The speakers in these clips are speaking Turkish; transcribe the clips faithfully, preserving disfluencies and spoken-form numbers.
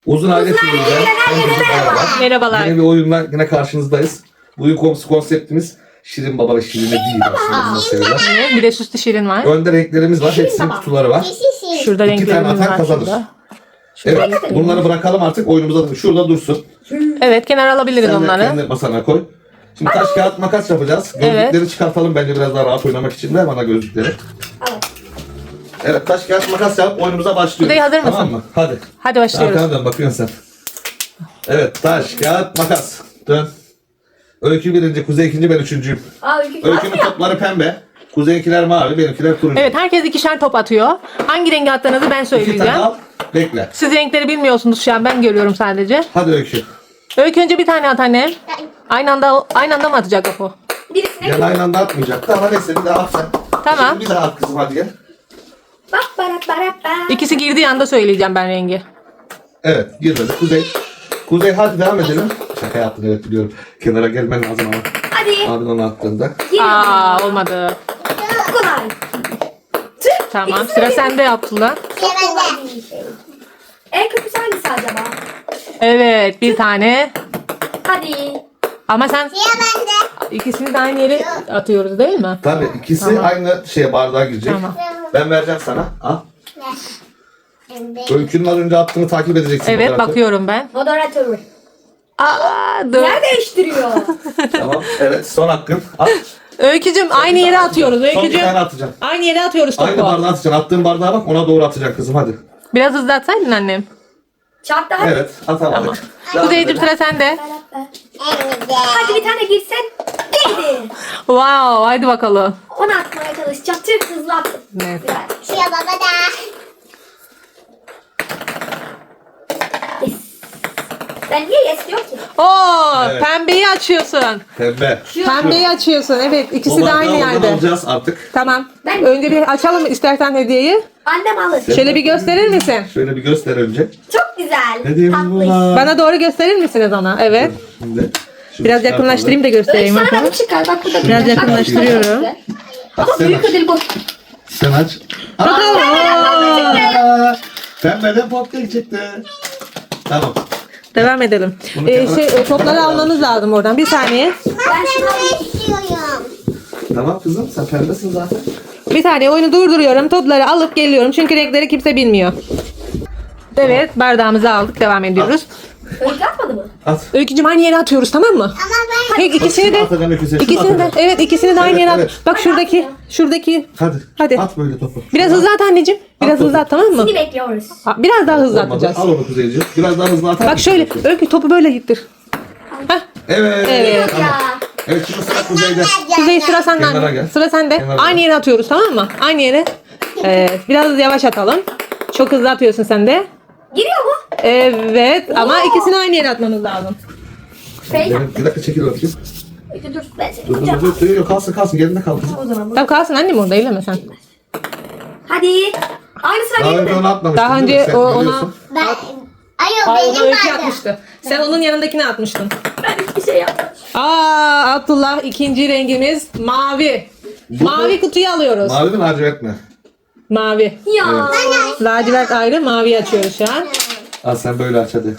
Uzun aile TV'den Merhabalar. yine bir oyunla yine karşınızdayız. Bu oyun konusu konseptimiz Şirin Baba ve Şirin'e değil aslında bunu seviyorlar. Evet, bir de süslü şirin var. Önde renklerimiz var. Hepsinin kutuları var. Şurada İki tane renklerimiz atan var kazanır. şurada. Evet, bunları bırakalım artık oyunumuza. Şurada dursun. Evet, kenara alabiliriz Sen de onları. kendi masana koy. Şimdi taş kağıt makas yapacağız. Gözlükleri Evet. çıkartalım bence biraz daha rahat oynamak için. Ver bana gözlükleri. Evet, taş kağıt makas yapıp oyunumuza başlıyoruz. Kuzey, hazır mısın? Tamam mı? Hadi. Hadi başlıyoruz. Arkana dön, bakıyorsun sen. Evet, taş kağıt makas. Dön. Öykü birinci, Kuzey ikinci, ben üçüncüyüm. Aa, Öykü Öykünün topları pembe. Kuzeyinkiler mavi, benimkiler turuncu. Evet, herkes ikişer top atıyor. Hangi rengi attığınızı ben İki tane söyleyeceğim. al, bekle. Siz renkleri bilmiyorsunuz şu an, ben görüyorum sadece. Hadi Öykü. Öykü önce bir tane at annem. Aynı anda aynı anda mı atacak o? birisine Gel aynı anda atmayacaktı ama neyse bir daha at sen. Tamam. Şimdi bir daha at kızım hadi gel. bak barat barat barat. İkisi girdiği anda söyleyeceğim ben rengi. Evet girmedi. Kuzey. Kuzey hadi devam edelim. Şaka yaptın evet biliyorum. Kenara gelmen lazım ama. Hadi. Abin onu attığında. Aa, olmadı. Çok kolay. Tüh, Tamam, ikisi sıra de- sende Abdullah. Çok kolay bir şey. En kötüsü hangisi acaba? Evet, bir tane. Hadi. Ama sen ikisini de aynı yere atıyoruz değil mi? Tabii ikisi Tamam. aynı şeye bardağa girecek. Tamam. Ben vereceğim sana. Al. Öykünün az önce attığını takip edeceksin. Evet, fotoğrafı. bakıyorum ben. Moderatör. Aa, dur. Yer değiştiriyor. Tamam. Evet son hakkın. At. Öykücüm aynı yere atıyoruz. Son bir Öykücüm. tane atacağım. Aynı yere atıyoruz Aynı topu. bardağa atacaksın. Attığın bardağa bak ona doğru atacaksın kızım hadi. Biraz hızlı atsaydın annem. Çarptı hadi. Evet atamadık. Tamam. Devam Kuzeycim edelim. sıra sende. Hadi bir tane girsen. Değdi. Wow, hadi bakalım. Onu atmaya çalışacağım. Tüh hızlı attım. Evet. Güzel. Şuraya baba da. Yes. Ben niye yes diyor ki? Oo, Evet. pembeyi açıyorsun. Pembe. Pembeyi açıyorsun. Evet, ikisi O de bardağı aynı oradan yerde. alacağız artık. Tamam. Ben- Önce bir açalım istersen hediyeyi. Annem alır. Şöyle bir gösterir misin? Şöyle bir göster önce. Çok güzel. Hediyemiz Tatlı. bunlar. Bana doğru gösterir misiniz ona? Evet. Şimdi şunu Biraz çıkartalım. yakınlaştırayım da göstereyim. Sana da Bakın. bu çıkar. Bak bu da Biraz güzel. Bak, yakınlaştırıyorum. bak, Bak, ama sen büyük aç. ödül bu. Sen aç. Bakalım. Aa, Pembeden popkek çıktı. Tamam. Devam edelim. Bunu Ee, kenara- şey, e, topları almanız lazım oradan. Bir saniye. Ben şunu alayım. istiyorum. Tamam kızım sen pembesin zaten. Bir saniye oyunu durduruyorum. Topları alıp geliyorum. Çünkü renkleri kimse bilmiyor. Evet, bardağımızı aldık. Devam ediyoruz. Öykü atmadı mı? At. Öykücüm aynı yere atıyoruz, tamam mı? Ama ben Hey, ikisini de Atacaksın öyküsü. Şunu ikisini de atacaksın. evet ikisini de aynı Evet, yere at. evet. Bak şuradaki şuradaki Hadi. Hadi. At böyle topu. biraz Şunu hızlı at anneciğim. Biraz At hızlı topu. at, tamam mı? Şimdi bekliyoruz. Ha, Biraz daha hızlı Olmadı. atacağız. Al onu Kuzeyciğim. Biraz daha hızlı atar Bak mısın? şöyle Öykü topu böyle gittir. Hah, Evet. Evet. Tamam. Ya. Evet şimdi sıra Kuzey'de. Kuzey sıra sende Kenara anne. gel. Sıra sende. Kenara Aynı gel. yere atıyoruz, tamam mı? Aynı yere. Evet, biraz yavaş atalım. Çok hızlı atıyorsun sen de. Giriyor mu? Evet ama ikisini aynı yere atmamız lazım. Feyza. Benim- Bir dakika çekil bakayım. Öykü dur. Ben seni Dur dur tutacağım. dur. dur. Yok kalsın kalsın. Yerinde kal kızım. O zaman bu. Tamam kalsın annem orada, eyleme sen. Hadi. Aynı sıra Daha benim önce de. onu atmamıştın Daha değil mi? önce Sen o- ona- biliyorsun. ben Ay o Hayır, onu benim Öykü vardı. atmıştı. Sen onun yanındakini atmıştın. Ben hiçbir şey yapmadım. Aa, Abdullah ikinci rengimiz mavi. Mavi kutuyu alıyoruz. Mavi mi lacivert mi? Mavi. Ya. Lacivert ayrı, mavi açıyoruz şu an. Al sen böyle aç hadi.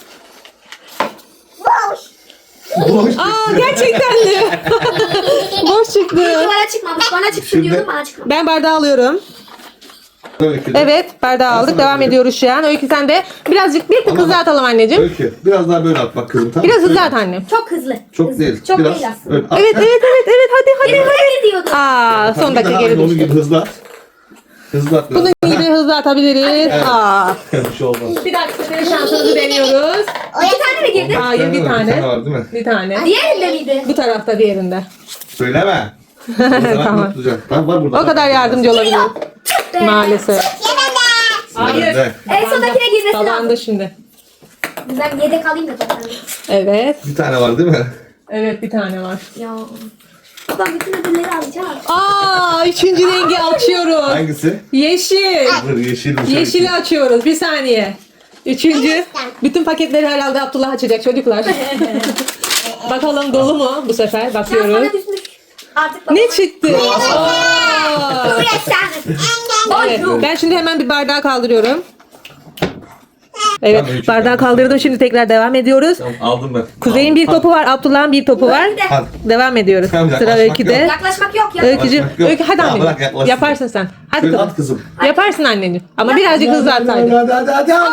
Boş. Boş. Aa, gerçekten de. Boş çıktı. Bana çıkmamış. Bana çıksın Şimdi- diyordum bana çıkmamış. Ben bardağı alıyorum. Öykü de. Evet, bardağı aldık. sana Devam böyle. ediyoruz şu an. Öykü sen de birazcık bir tık Ama hızlı bak- atalım anneciğim. Öykü. Biraz daha böyle at bak kızım tamam mı? Biraz hızlı Şöyle. at annem. Çok hızlı. Çok Hızlı. değil. Çok Biraz. değil aslında. Öyle. At. Evet, evet, evet, evet. Hadi, hadi. Benim öyle gidiyordum. Aa, son Bir dakika daha geri aynı onun düştü. gibi hızlı at. Hızlı at. biraz. Bunun gibi hızlı atabiliriz. Aa. Bir şey olmaz. Bir dakika senin şansınızı deniyoruz. İki tane mi girdi? Hayır, bir var, Bir tane tane. var değil mi? Bir tane. Diğerinde miydi? Bu tarafta, diğerinde. Söyleme. tamam. Tamam. Tamam var burada. O kadar yardımcı olabilir. Be. Maalesef. Hayır. Hayır. En sondakine girmesi lazım. Talandı şimdi. Ben yedek alayım da toplarını. Evet. Bir tane var değil mi? Evet, bir tane var. Ya. Ben bütün ödülleri alacağım. Aa, üçüncü rengi açıyoruz. Hangisi? Yeşil. Dur yeşilmiş. Yeşili açıyoruz. Bir saniye. Üçüncü. Bütün paketleri herhalde Abdullah açacak çocuklar. Bakalım dolu mu bu sefer? Ya Bakıyoruz. sana düşmüş. Artık bak. Ne çıktı? Aa. Buraya sen. Evet, ben şimdi hemen bir bardağı kaldırıyorum. Evet, Tamam, Öykü. bardağı kaldırdım. Şimdi tekrar devam ediyoruz. Tamam, aldım ben. Kuzey'in bir Aldım. topu var, Abdullah'ın bir topu var. Öykü de. Hadi. Devam ediyoruz. Tamam, Sıra yaklaşmak Öykü'de. yok. Yaklaşmak yok ya. Öykücüğüm, Yaklaşmak yok. Öykü hadi Ya, anneciğim. bırak yaklaşsın. Yaparsın sen. Hadi Şöyle kızım. at kızım. Yaparsın anneciğim. Ama birazcık hızlı atsaydın. Hadi hadi hadi hadi.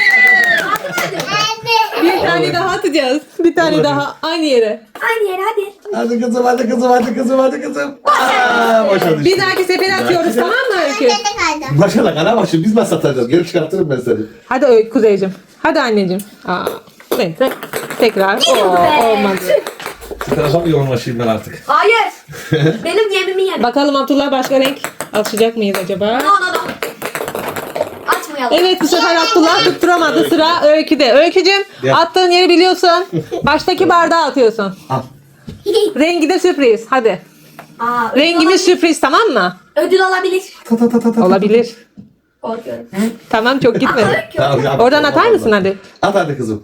Bir tane daha atacağız. Bir tane daha aynı yere. Aynı yere hadi. Hadi kızım hadi kızım hadi kızım hadi kızım. Aa, boşa düştü. Bir dahaki sefere atıyoruz, tamam mı Öykü? Ben de kaldım. Başa da kana bak şimdi biz nasıl atacağız? Geri çıkartırım ben seni. Hadi Öykü Kuzeyciğim. Hadi anneciğim. Aa, neyse. Tekrar. Oo, be. olmadı. Şu tarafa mı yoğunlaşayım ben artık? Hayır. Benim yemimi yedim. Bakalım Abdullah başka renk açacak mıyız acaba? No no no. Açmayalım. Evet, bu sefer Abdullah tutturamadı. Sıra Öykü'de. Öykücüğüm, Gel. attığın yeri biliyorsun. Baştaki bardağı atıyorsun. Al. Rengi de sürpriz. Hadi. Aa, ödül Rengimiz olabilir. sürpriz, tamam mı? Ödül olabilir. Ta ta ta ta ta. Olabilir. Korkuyorum. Tamam, çok gitmedi. Tamam, yap. Oradan atar mısın hadi? At hadi kızım.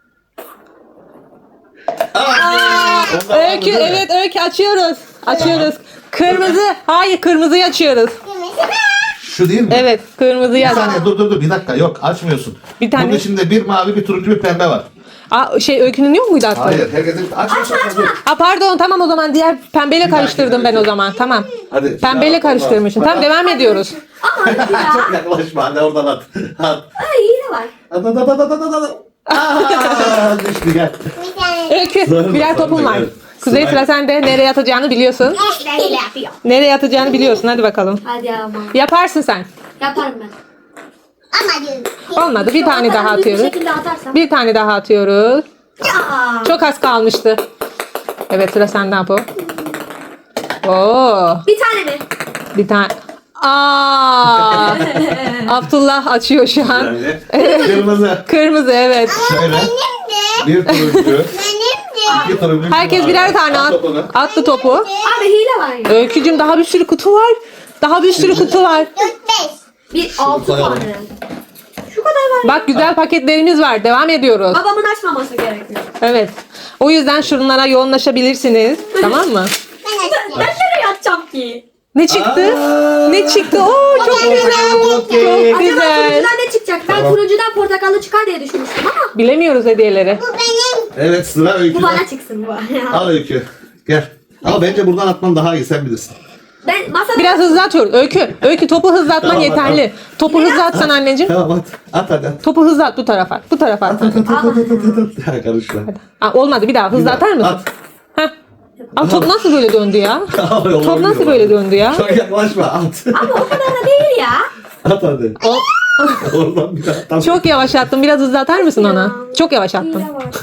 Öykü, evet Öykü açıyoruz. Açıyoruz. Kırmızı. Hayır, kırmızıyı açıyoruz. Şu değil mi? Evet, kırmızıyı Bir aç. saniye dur dur dur bir dakika yok açmıyorsun. Bir tane- Bunun içinde bir mavi bir turuncu bir pembe var. Aa, şey Öykü'nün yok muydu aslında? Hayır herkesin açmıyorsun. Dur. Aa, pardon, tamam o zaman diğer pembeyle karıştırdım ben o zaman. Tamam. Hadi. Pembeyle Ya, karıştırmışım. Allah. Tamam, devam ediyoruz. Ama ödül ya. Çok yaklaşma hadi oradan at. At. Ay yine var. At at at at at at at. Aaa düştü gel. Bir tane. Öykü, Sonra birer bakalım, topun var. evet. Kuzey, Sıra- sıra sende. Nereye atacağını biliyorsun. Ben hile yapıyorum. Nereye atacağını biliyorsun. Hadi bakalım. Hadi ama. Yaparsın sen. Yaparım ben. Ama diyorum. Olmadı. Bir tane daha Düz atıyoruz. Bir şekilde atarsam. Bir tane daha atıyoruz. Ya. Çok az kalmıştı. Evet, sıra sende Apo. Oo, Bir tane mi? bir tane. Aa! Abdullah açıyor şu an. Yani. Kırmızı. Kırmızı, evet. Şöyle. Benim de. Bir turuncu. Benim de. İki turuncu. Herkes birer tane At at, topunu. attı topu. Abi hile var ya. Öykücüm, daha bir sürü kutu var. Daha bir sürü kutu var. Dört beş. Bir altı koyalım. tane. Şu kadar var. Bak, güzel paketlerimiz var. Devam ediyoruz. Babamın açmaması gerekiyor. Evet. O yüzden şunlara yoğunlaşabilirsiniz. Tamam mı? Ben Ben, açtım. ben nereye atacağım ki? Ne çıktı? Aa! Ne çıktı? Oo, çok güzel. Çok Acaba güzel. turuncudan ne çıkacak? Ben Tamam. turuncudan portakallı çıkar diye düşünmüştüm ama Bilemiyoruz hediyeleri. Bu benim. Evet sıra bu öyküde. bana çıksın bu. Al öykü. Gel. Ama bence buradan atman daha iyi sen bilirsin. Ben masada Biraz hızlı atıyoruz. Öykü. Öykü, topu hızlı atman Tamam, yeterli. Topu hızlı atsan anneciğim. Tamam at. At hadi at. Topu hızlı at bu tarafa. Bu tarafa at. At at at at at at. Ha, karışma. Aa, olmadı, bir daha hızlı atar mısın? At. Heh. Aa, top nasıl böyle döndü ya? Top nasıl böyle döndü ya? Çok yaklaşma at. ama o kadar da değil ya. At hadi. O- Oradan bir daha at. Çok yavaş attım. Biraz hızlı atar mısın ona? Çok yavaş attım. Hile var.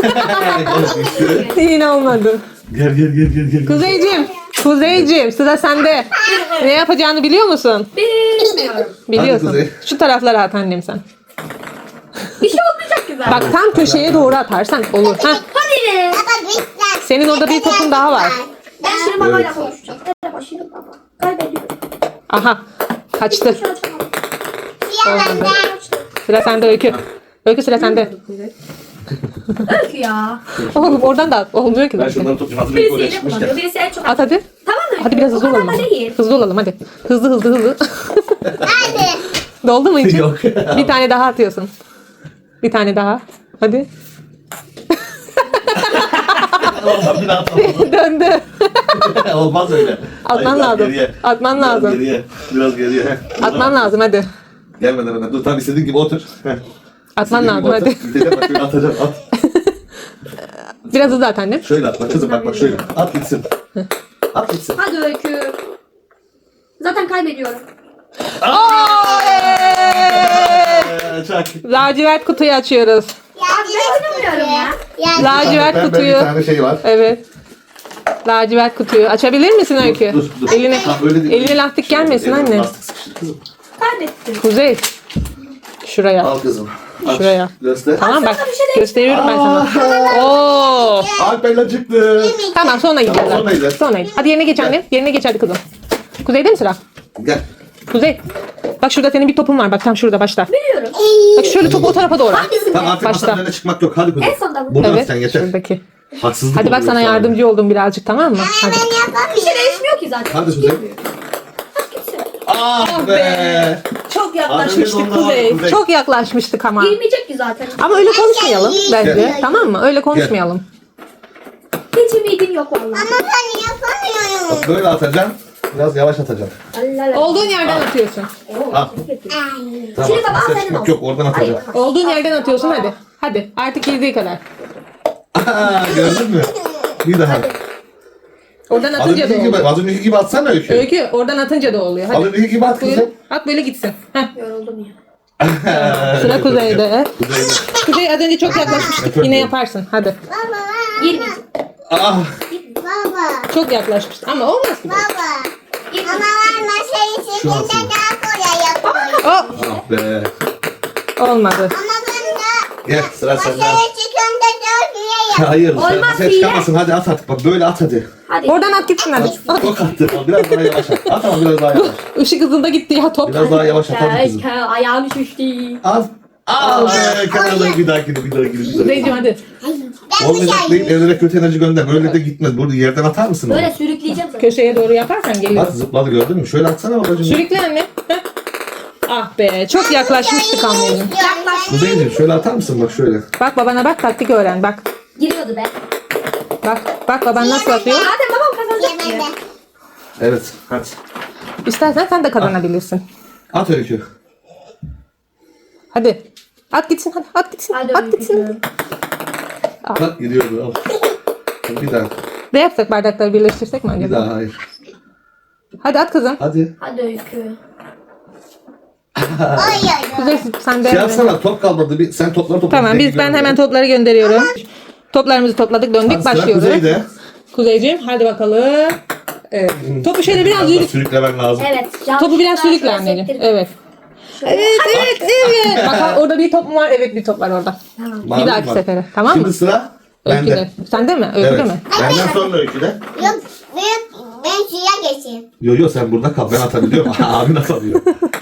Yine olmadı. Gel gel gel gel gel. Kuzeyciğim. Kuzeyciğim, sıra sende. Ne yapacağını biliyor musun? Bilmiyorum. Biliyorsun. Kuzey. Şu taraflara at annem sen. Bir şey olmayacak ki zaten. Bak, tam köşeye doğru atarsan olur. Heh. Hadi be. Baba bir tane. Senin orada bir topun daha var. Ben şimdi babayla Evet. konuşacağım. Merhaba şimdi baba. Kaybediyorum. Aha. Kaçtı. Şu açamadım. Siyah bende. Sıra sende Öykü. Öykü, sıra sende. Öykü ya. Oğlum oradan da at. Olmuyor ki Ben zaten. şunları tutayım. Hazır bir Birisi oraya hile çıkmışken. kullanıyor. Birisi en çok. At hadi. Tamam mı? Hadi biraz hızlı O kadar olalım. da değil. Hızlı olalım hadi. Hızlı hızlı hızlı. Hadi. Doldu mu için? Yok. Bir tane daha atıyorsun. Bir tane daha. Hadi. Oradan bir daha atalım. Döndü. Olmaz öyle. Atman Hayır, biraz lazım. geriye. Atman Biraz lazım. Geriye. Biraz geriye. Heh. Atman lazım hadi. Gelmeden hemen. Dur tam istediğin gibi otur. Heh. Atman İstediğin gibi lazım otur. hadi. Gideceğim bak şöyle atacağım at. Biraz hızlı at annem. Şöyle at bak kızım bak bak şöyle. At gitsin. At gitsin. Hadi Öykü. Zaten kaybediyorum. Ee, Çak. Lacivert kutuyu açıyoruz. Abi ben oynamıyorum ya. Yani Lacivert Pembe kutuyu. Bir tane şey var. Evet. Lacivert kutuyu. Açabilir misin Öykü? Dur, dur. Eline, Ha, öyle değil. eline lastik gelmesin Eline anne. lastik sıkıştı kızım. Kaybettim. Kuzey. Şuraya. Al kızım. Aç. Şuraya. Göster. Tamam bak. Sana bir şey değil. Gösteriyorum ben sana. Oo. Alper'le çıktı. Tamam, sonra gideceğiz. Sonra gideceğiz. Sonra gideceğiz. Hadi yerine geç annem. Yerine geç hadi kızım. Kuzey'de mi sıra? Gel. Kuzey. Bak şurada senin bir topun var. Bak tam şurada başta. Biliyorum. Bak şöyle topu o tarafa doğru. at. Hangisinde? Tamam artık Başta. masanın önüne çıkmak yok. Hadi kızım. En sonda bu. Buradan Evet. sen geçer. Şuradaki. Haksızlık Hadi bak, oluyor sana sonra. yardımcı oldum birazcık, tamam mı? Hadi. ben yapamıyorum. Bir şey değişmiyor ki zaten. Hadi Hiç Kuzey. girmiyor. Hadi gitsin. Ah be. Çok yaklaşmıştık Az önce de ondan Kuzey. Kuzey. Çok yaklaşmıştık ama. Girmeyecek ki zaten. Ama öyle konuşmayalım bence. Gel. Tamam mı? Öyle konuşmayalım. Hiç ümidim yok vallahi. Ama ben yapamıyorum. Bak böyle atacaksın. Biraz yavaş atacaksın. Allah. Olduğun yerden atıyorsun. Al. Ay. Tamam. Şimdi baba, ses senin çıkmak olsun. yok oradan atacaksın. Olduğun yerden atıyorsun hadi. Hadi artık girdiği kadar. Aa, gördün mü? Bir daha. Oradan Az atınca da önceki gibi, oluyor. az önceki gibi atsana Öykü. Öykü oradan atınca da oluyor. Az Hadi. önceki gibi at Buyur. kızım. At böyle gitsin. Heh. Yoruldum ya. Sıra Kuzey'de. Kuzeyde. Kuzey az önce çok yaklaşmıştık. Yine yaparsın. Hadi. Baba. Girmeyecek. Ah. Baba. Çok yaklaşmıştık. Ama olmaz ki. Baba. Ama ben masayı Şu an çekimde şimdi. daha kolay yapıyorum. Oh, Ah be. olmadı. Ama ben de Gel sıra sende. masayı çekimde daha kolay yapıyorum. Hayır. Olmaz Sen diye. çıkamazsın. Hadi at artık. Bak böyle at hadi. Hadi. Oradan at gitsin hadi. At. Çok attı. Biraz daha yavaş at. At ama biraz daha yavaş. Işık hızında gitti ya top. Biraz daha yavaş at hadi kızım. Keşke ayağım şişti. Al. Al be. Kenardan bir dahakini bir dahakini bir dahakini. Kuzeyciğim hadi. Ben bir Olmayacak şey değil. Evlere kötü enerji gönder. Böyle de gitmez. Burada yerden atar mısın? Böyle onu? sürükleyeceğim seni. Köşeye doğru yaparsan geliyor. Bak zıpladı gördün mü? Şöyle atsana babacığım. Sürükle anne. Heh. Ah be çok yaklaşmıştık anneciğim. Yaklaş. Kuzeyciğim şöyle atar mısın? Bak şöyle. Bak babana bak taktik öğren bak. Giriyordu be. Bak bak baban nasıl atıyor. Zaten babam kazanacak Yemedi. ya. Evet. Hadi. İstersen sen de kazanabilirsin. At Öykü. Hadi. At gitsin hadi at gitsin. Hadi at gitsin. Bak gidiyordu. Al. Bir daha. Ne yapsak bardakları birleştirsek mi Bir acaba? daha hayır. Hadi at kızım. Hadi. Hadi Öykü. Oy oy oy. Kuzey sen de. Şey yapsana top kalmadı. Bir, sen topları topla. Tamam biz ben hemen topları gönderiyorum. Toplarımızı topladık döndük başlıyoruz. Kuzeyde. Kuzeyciğim hadi bakalım. Evet. Topu şöyle biraz Biraz da yürüt. sürüklemen lazım. Evet. Topu biraz şöyle sürükle anneciğim. sektirdim. Evet. Evet evet evet. Bak orada bir top mu var? Evet bir top var orada. Tamam. Mavi Bir dahaki var. sefere. Tamam mı? Şimdi sıra bende. Öyküde. Sende mi? Öyküde Evet. mi? Benden sonra Öyküde. Yok büyük ben suya geçeyim. Yo yo sen burada kal. Ben atabiliyorum. Abin atabiliyor.